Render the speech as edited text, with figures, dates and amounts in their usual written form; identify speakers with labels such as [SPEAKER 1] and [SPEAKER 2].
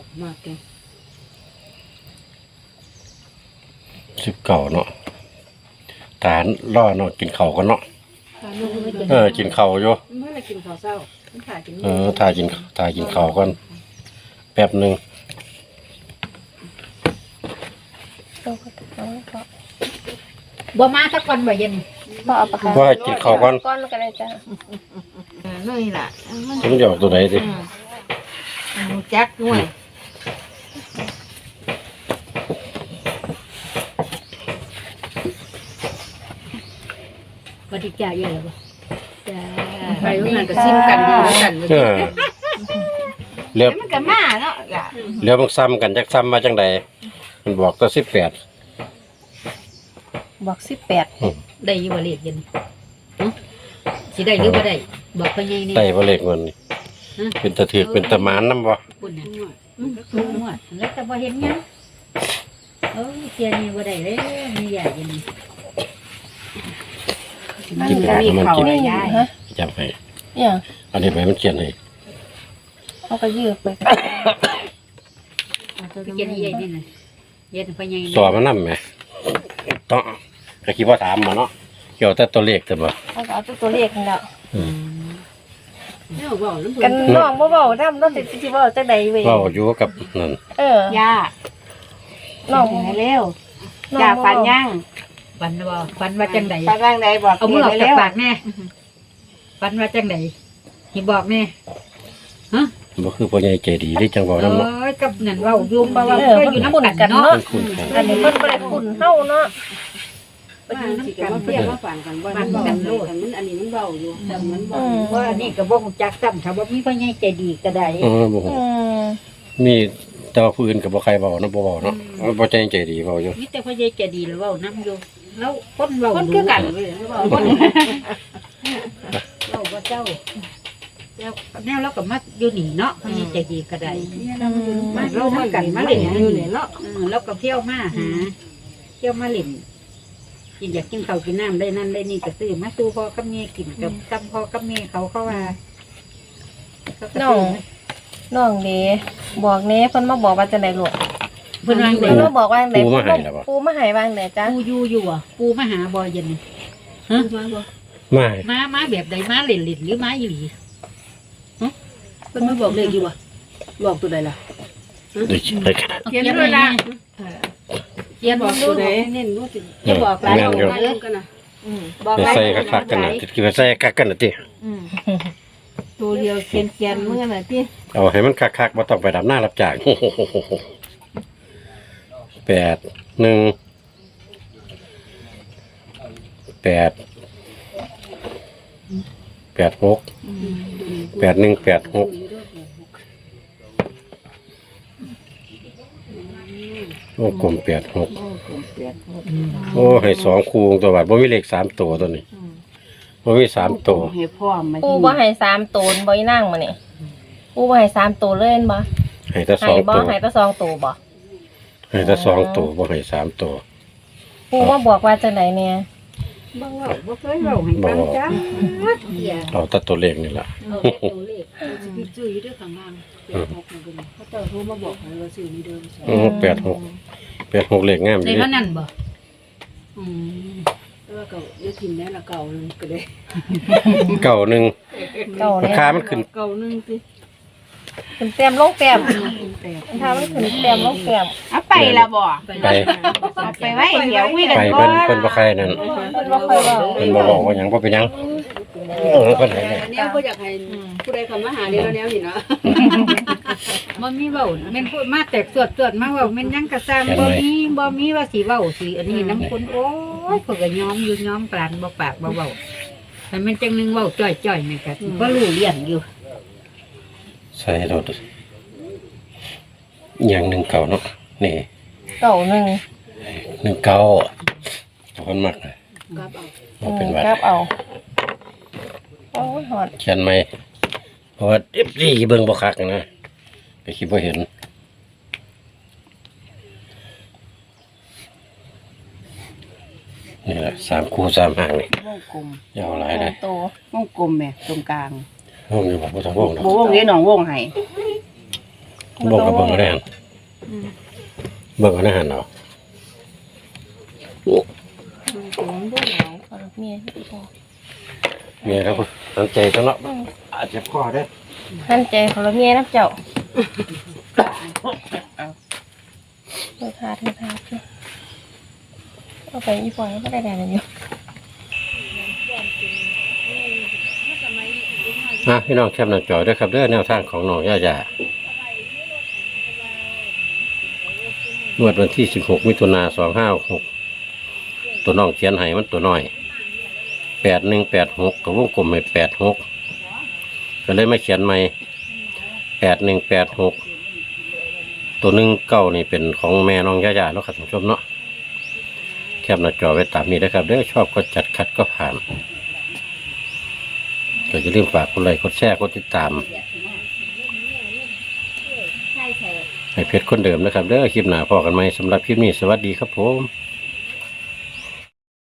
[SPEAKER 1] มากแก
[SPEAKER 2] 19เนาะทานรอเนาะกินข้าวกันเนาะกินข้าวอยู่
[SPEAKER 1] เมื่อไรกินข้าวเช้าถ่ายกิน
[SPEAKER 2] ถ่ายกินข้าวกันแป๊บนึง
[SPEAKER 3] บ่มาสักวันบ่เย็น
[SPEAKER 4] บ่เอาปากกา
[SPEAKER 2] ว่ากินข้าวก่อน
[SPEAKER 4] แล้วก็ได้จ้ะ
[SPEAKER 1] เลยล่ะ
[SPEAKER 2] มันจะออกตัวไหนดิ
[SPEAKER 1] จักด้วย
[SPEAKER 3] บ่ได้จ่ายเยอะบ่จ้า
[SPEAKER 1] ไปโรงงานก็ซิมกันดีกัน
[SPEAKER 2] เรียบ
[SPEAKER 1] มันก็มาเนาะ
[SPEAKER 2] เรียบมันซ้ำกันจักซ้ำมาจังใดมันบอกตัว18
[SPEAKER 4] บอก18
[SPEAKER 3] ได้อยู่บ่เลขเย็นสิได้หรือบ่ได้บอกเพิ่นใหญ่นี่
[SPEAKER 2] ได้บ่เลขเงินนี่เป็นตะถือกเป็นตะหมานนำบ่
[SPEAKER 3] ปุ่นน่ะหมดแล้วแต่บ่เห็นหยังเทียนี่บ่ได้เด้มีใหญ่เย็น
[SPEAKER 2] กินอาหารมันกิน
[SPEAKER 4] ฮะ
[SPEAKER 2] จำให้
[SPEAKER 4] เนี่ย
[SPEAKER 2] อันนี้ไปมันเขียนให้
[SPEAKER 4] เอาก็ยืดไป
[SPEAKER 3] เย็นใหญ่นี่น่ะเย็นเพิ่นใหญ่
[SPEAKER 2] สอบมันนำแหมต้องก็คิดว่าถามมาเนาะเกี่ยวแต่ตัวเลขแต่บ่
[SPEAKER 4] เอาตัวเลขนี่แหละ
[SPEAKER 1] กัน
[SPEAKER 4] น้องบ่เว้านำน้องสิเว้าจังได๋เว้ย
[SPEAKER 2] เว้าอยู่กับนั่น
[SPEAKER 1] ย่าน้องให้เร็วย่าฝันยัง
[SPEAKER 3] ฝันบ่ฝันว่าจังได๋
[SPEAKER 1] ฝันจังได๋บอก
[SPEAKER 3] เอามือออกจากปากแน่ฝันว่าจังได๋สิบอกแน่ฮะ
[SPEAKER 2] บ่คือพ่อใหญ่ใจดีที่จังเว้านำเนาะ
[SPEAKER 3] กับนั่นเว้าอยู่บ่ว่าอยู่นำกันเนาะ
[SPEAKER 4] อันนี้เพิ่นบ่ได้คุ้นเฮาเนาะ
[SPEAKER 1] มันสิกันเพียงว่าฝันกันบ่มันโลดมันอันนี้มันเบาอยู่แต่มันบ่
[SPEAKER 3] ว่าอันนี้ก็บ่ฮู้จักซ้ำถ้าบ่มีพ่อใหญ่ใจดีก็ได้
[SPEAKER 2] บ่มีแต่ว่าผู้อื่นก็บ่ใครเว้าเนาะบ่เว้าเนาะบ่ใจดีเว้าอยู่
[SPEAKER 3] มีแต่พ่อใหญ่ใจดีแล้วเว้านำอยู่แล้วคนเว้า
[SPEAKER 1] คนคือกันเว้ยเว้าคน
[SPEAKER 3] เว้าบ่เจ้าแล้วแนวเราก็มาอยู่นี่เนาะพ่อใหญ่ใจดีก็ได้มาเรามากันมาเล่นอยู่นี่เนาะแล้วก็เที่ยวมาหาเที่ยวมาเล่นกินอยากกินข้าวกินน้ำได้นั่นได้นี่ก็ซื้อมาสู่พ่อกับแม่กินกับซ้ำพ่อกับแม่เขาว่า
[SPEAKER 4] น้องเด้บอกแน่เพิ่นมาบอกว่าจังได๋ลูก
[SPEAKER 3] เพิ่นว่าจังได๋
[SPEAKER 4] มาบอกว่าจังได๋
[SPEAKER 2] ปูมาให้แล้วบ่
[SPEAKER 4] ปูมาให้ว่าจังได๋จ้ะ
[SPEAKER 3] ปูอยู่อ่ะปูมาหาบ่เย็นนี่ฮะมาแบบใดมาเล่นหรือมาอีหลี
[SPEAKER 1] ฮะเพิ่นมาบอกเลขอยู่บ่บอกตัวใดล่ะ
[SPEAKER 3] เขียนด้วยล่ะเขียนบอกตัวใด
[SPEAKER 1] เน้นรู้สิ
[SPEAKER 3] อย่าบอกหลายบอก
[SPEAKER 1] เรื่องกันน่ะ
[SPEAKER 2] บอกใส่คักๆกันน่ะคิดว่าใส่คักกันน่ะติ
[SPEAKER 1] ตัวเดียวเขียนมื้อน่ะติ
[SPEAKER 2] เอาให้มันคักๆบ่ต้องไปดำหน้ารับจ้าง8 1 8 6 8 1 8 6โอ้กลม86โอ้ให้2คู่ตัวบาดบ่มีเลข3ตัวตัวนี้บ่มี3ตัว
[SPEAKER 1] ให้พร้อมมา
[SPEAKER 4] ปูบ่ให้3ตัวบ่อีนางมื้อนี้ปูบ่ให้3ตัวเลยบ่
[SPEAKER 2] ให้แต่2ตัว
[SPEAKER 4] ให้แต่2ตัวบ่
[SPEAKER 2] ให้แต่2ตัวบ่ให้3ตัว
[SPEAKER 4] ปูมาบอกว่าจังได๋เนี่ย
[SPEAKER 1] บ่เคยเว้าให้ฟังจ้า
[SPEAKER 2] เอาแต่ตัวเลขนี่ล่ะ
[SPEAKER 1] ตัวเลขสิซื้ออยู่ด้วยข้างล่าง86นั่นเด้อเขาเจ้าโทรมาบอกให้ว่าซื้อนี่เด้
[SPEAKER 2] 86เลขงาม
[SPEAKER 3] ดีแล้วนั่นบ่
[SPEAKER 1] แล้วก็ได้กินได้ละเก่านึงก็ได้
[SPEAKER 2] ราคามันขึ้น
[SPEAKER 1] เก่านึงสิ
[SPEAKER 4] ขึ้นเต็มลงเต็มถ้ามันขึ้นเต็มลงเต็ม
[SPEAKER 1] เอาไปละบ่
[SPEAKER 2] ไป
[SPEAKER 1] ไว้เดี๋ยวคุยกัน
[SPEAKER 2] ก่อนเพิ่นบ่ใครนั่น
[SPEAKER 4] เพิ่นบ่ค่อยเว้า
[SPEAKER 2] เพิ่นบ่บอกว่าหยังบ่เป็นหยังเพิ่นให้
[SPEAKER 1] อันนี้บ่อยากให้ผู้ใดเข้ามาหานี่แล้วแนวนี่เนาะ
[SPEAKER 3] บ่มีเว้าแม่นพูดมาแตกสวดมาเว้าแม่นหยังก็สร้างบ่มีว่าสิเว้าสิอันนี้น้ำคนโอ้ยเพิ่นก็ยอมอยู่ยอมปานบ่ปากบ่เว้าแต่มันจังนึงเว้าจ้อยๆนี่ก็บ่รู้เรื่องอยู่
[SPEAKER 2] ใส่รถอย่าง1เก่าเนาะนี่1เก่าคนมัก
[SPEAKER 4] เอา
[SPEAKER 2] เป็นวัด
[SPEAKER 4] ครับเอาโอ้ยฮอด
[SPEAKER 2] เขียนไหมเพราะว่าFCเบิ่งบ่คักนะไปคิดบ่เห็นนี่แหละ3คู่3หางนี่
[SPEAKER 1] วงกลม
[SPEAKER 2] ยาวหลายได้
[SPEAKER 1] วงกลมแม่ตรงกลาง
[SPEAKER 2] วงอยู่บ่ต้องวงดอก
[SPEAKER 1] บ่วงเด้น้องวงให้
[SPEAKER 2] บอกกับเบิ่งก็ได้หันเบิ่งก็ได้หันเอา
[SPEAKER 4] เอาเมียพอ
[SPEAKER 2] เมียครับตั้งใจจังเนาะอาจจะพ่อได้
[SPEAKER 4] ท่านใจของเราเมียน้ำเจ้าเถิดทาเอาไปอีปล่อยก็ได้แดงอยู่
[SPEAKER 2] พี่น้องแคปหน้าจอด้วยครับเด้อแนวทางของน้องย่า งวดวันที่16 มิถุนายน 2566ตัวน้องเขียนให้มันตัวน้อย8186กับวงกลมให้86ก็เลยมาเขียนใหม่8186ตัว19นี่เป็นของแม่น้องย่าเนาะครับท่านผู้ชมเนาะแคปหน้าจอไว้ตามนี้นะครับเด้อชอบก็จัดขัดก็ผ่านก็อย่าลืมฝากกดไลค์กดแชร์กดติดตามให้เพจคนเดิมนะครับเด้อคลิปหน้าพอกันไหมสำหรับคลิปนี้สวัสดีครับผม